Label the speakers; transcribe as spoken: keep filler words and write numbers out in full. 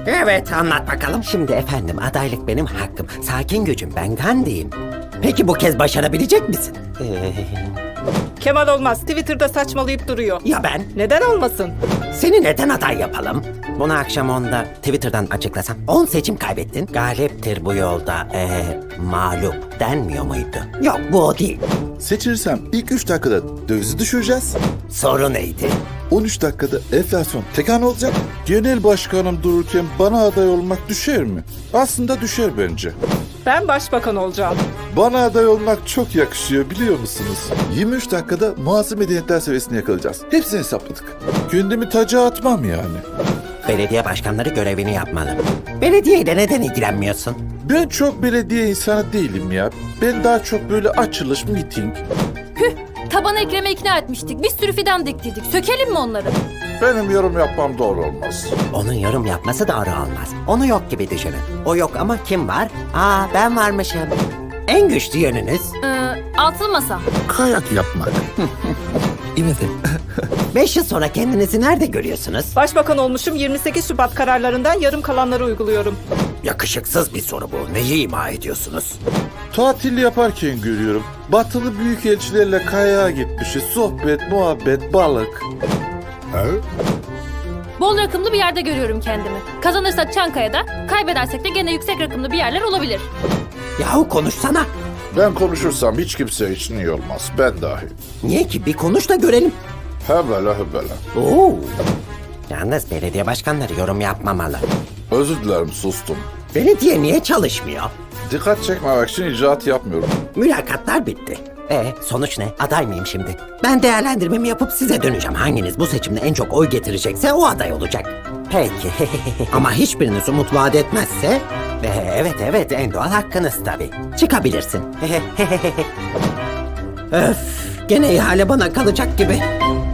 Speaker 1: Evet, anlat bakalım. Şimdi efendim, adaylık benim hakkım. Sakin gücüm, ben Gandhi'yim. Peki bu kez başarabilecek misin? Ee,
Speaker 2: Kemal olmaz. Twitter'da saçmalayıp duruyor.
Speaker 1: ya ben?
Speaker 2: Neden olmasın?
Speaker 1: Seni neden aday yapalım? Bunu akşam onda Twitter'dan açıklasam. on seçim kaybettin. Galiptir bu yolda ee, mağlup denmiyor muydu? Yok, bu o değil.
Speaker 3: Seçilirsem ilk üç dakikada dövizi düşüreceğiz.
Speaker 1: Soru neydi?
Speaker 3: on üç dakikada enflasyon tekan olacak. Genel başkanım dururken bana aday olmak düşer mi? Aslında düşer bence.
Speaker 2: Ben başbakan olacağım.
Speaker 3: Bana aday olmak çok yakışıyor biliyor musunuz? yirmi üç dakikada muhasebe medeniyetler seviyesini yakalayacağız. Hepsini hesapladık. Kendimi taca atmam yani.
Speaker 1: Belediye başkanları görevini yapmalı. Belediyeyle neden ilgilenmiyorsun?
Speaker 3: Ben çok belediye insanı değilim ya. Ben daha çok böyle açılış, miting.
Speaker 4: Taban Ekrem'e ikna etmiştik. Bir sürü fidan diktirdik. Sökelim mi onları?
Speaker 3: Benim yorum yapmam doğru olmaz.
Speaker 1: Onun yorum yapması doğru olmaz. Onu yok gibi düşünün. O yok ama kim var? Aa, ben varmışım. En güçlü yönünüz
Speaker 4: Ee, altılı masa.
Speaker 3: Kayak yapmak. İmedim.
Speaker 1: beş yıl sonra kendinizi nerede görüyorsunuz?
Speaker 2: Başbakan olmuşum. yirmi sekiz Şubat kararlarından yarım kalanları uyguluyorum.
Speaker 1: Yakışıksız bir soru bu. Neyi ima ediyorsunuz?
Speaker 3: Tatil yaparken görüyorum. Batılı büyükelçilerle kayağa gitmişiz. Sohbet, muhabbet, balık.
Speaker 4: Bol rakımlı bir yerde görüyorum kendimi. Kazanırsak Çankaya'da, kaybedersek de gene yüksek rakımlı bir yerler olabilir.
Speaker 1: Yahu konuşsana.
Speaker 3: Ben konuşursam hiç kimse için iyi olmaz. Ben dahil.
Speaker 1: Niye ki? Bir konuş da görelim.
Speaker 3: Hebele hebele.
Speaker 1: Oo. Yalnız belediye başkanları yorum yapmamalı.
Speaker 3: Özür dilerim sustum.
Speaker 1: Belediye niye çalışmıyor?
Speaker 3: Dikkat çekmemek için icraat yapmıyorum.
Speaker 1: Mülakatlar bitti. E sonuç ne? Aday mıyım şimdi? Ben değerlendirmemi yapıp size döneceğim. Hanginiz bu seçimde en çok oy getirecekse o aday olacak. Peki. Ama hiçbiriniz umut vaat etmezse... E, evet evet, en doğal hakkınız tabii. Çıkabilirsin. Öf, gene ihale bana kalacak gibi.